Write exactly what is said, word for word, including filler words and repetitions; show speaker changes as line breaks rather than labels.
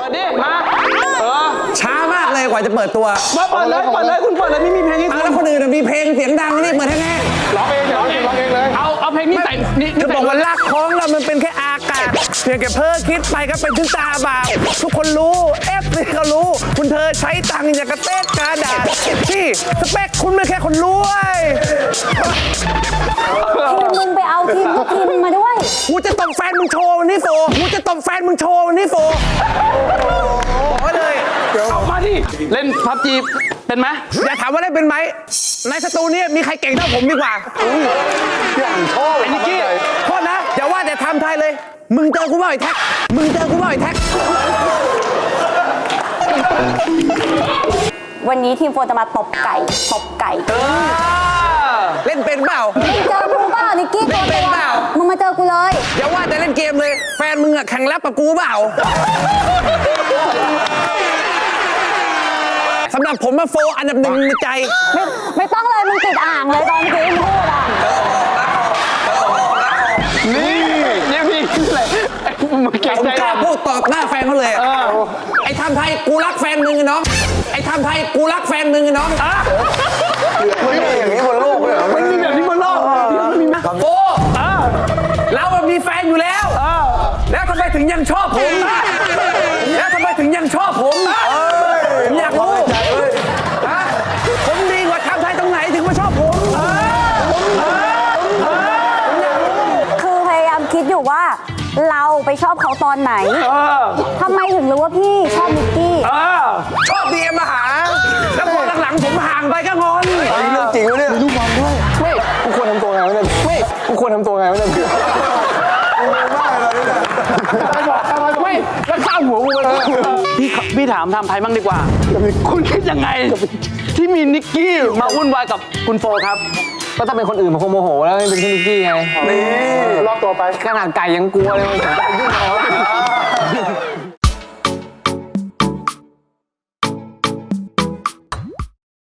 ดิมาเออ
ช้ามากเลยกว่าจะเปิดตัว
มาเปิดเลยเปิดเลยคุณเปิดเลยไม่มีเพลงให้
เอาแล้วคนอื่นมีเพลงเสียงดังนี่เปิดแน่
ร้องเองร้องเองร้องเองเลย
เอาเอาเพลงนี้ใส่นี่
ๆจะบอกว่ารักของเรามันเป็นแค่อากาศเพียงแค่เพ้อคิดไปก็เป็นถึงตาบาปทุกคนรู้เอฟซีก็รู้ คุณเธอใช้ตังค์อย่างกระเต้กระดาษที่สเปคคุณไม่แค่คนรวย
ทีมมึงไปเอาทีมทุกทีมมึงมาด้วย
กูจะตบแฟนมึงโชว์วันนี้โฟกูจะตบแฟนมึงโชว์วันนี้โฟบอกไว้เลย
เอามาดิเล่นพับจีเป็นไหม
อย่าถามว่าได้เป็นไหมในสตูนี้มีใครเก่งเท่าผมดีกว่า
ไอ้นิกกี้
โทษนะอย่าว่าแต่ทำไทยเลย มึงเจอกูบ่อยแท็กมึงเจอกูบ่อยแท็ก
วันนี้ทีมโฟนจะมาตบไก่ตบไก่
เล่นเป็นเปล่า
มึงเจอกูเปล่านิกกี้ตัว
เป็น
ตัว
เปล่า
มึงมาเจอกูเลย
อย่าว่าแต่เล่นเกมเลย แฟนมึงอะแข่งแรปกับกูเปล่าสำหรับผมมาโฟอันดับหนึ่งในใจ
ไม่ไม่ต้องเลยมึงติดอ่างเลยตอนเมื่อกี้มึงพูดอ่ะ
นี่นี่พี่อะไรมึงเก่ง
ผม
ใจ
กล้าพูดตอบหน้าแฟนเขาเลยอะไอ้ทำไทยกูรักแฟนมึงไอ้น้องไอ้ทำไทยกูรักแฟนมึงไอ้น้อง
ไม่มีอย่างนี้บนโลกเลยเหรอ
ไม่มีแบบนี้บนโลกมีไหม
โฟเราอะมีแฟนอยู่แล้ว แล้วทำไมถึงยังชอบผมอะแล้วทำไมถึงยังชอบผมอะผมอยากรู้ฮะผมดีกว่าทำไทยตรงไหนถึงมาชอบผมผมอยากรู้
คือพยายามคิดอยู่ว่า เราไปชอบเขาตอนไหนทำไมถึงรู้ว่าพี่ชอบนิกกี้
ชอบดีเอ็มมาหา แล้วพอหลังๆผมห่างไปก็งอน
เรื่องจริงวะเนี่ยลูกบอลด้วยไม่กูควรทำตัวไงวะเนี่ยไม่กูควรทำตัวไงวะเนี่ย
ไม่แล้วข้ามหัวกูไปพี่พี่ถามทำไทยบ้างดีกว่า คุณคิดยังไง ที่มีนิกกี้มาวุ่นวายกับคุณโฟครับ
ก็ถ้าเป็นคนอื่นมันคงโมโหแล้วเป็นที่นิกกี้ไงนี่รอบตัวไปขนาดไก่ยังกลัวเลยมันจะยุ่งเอา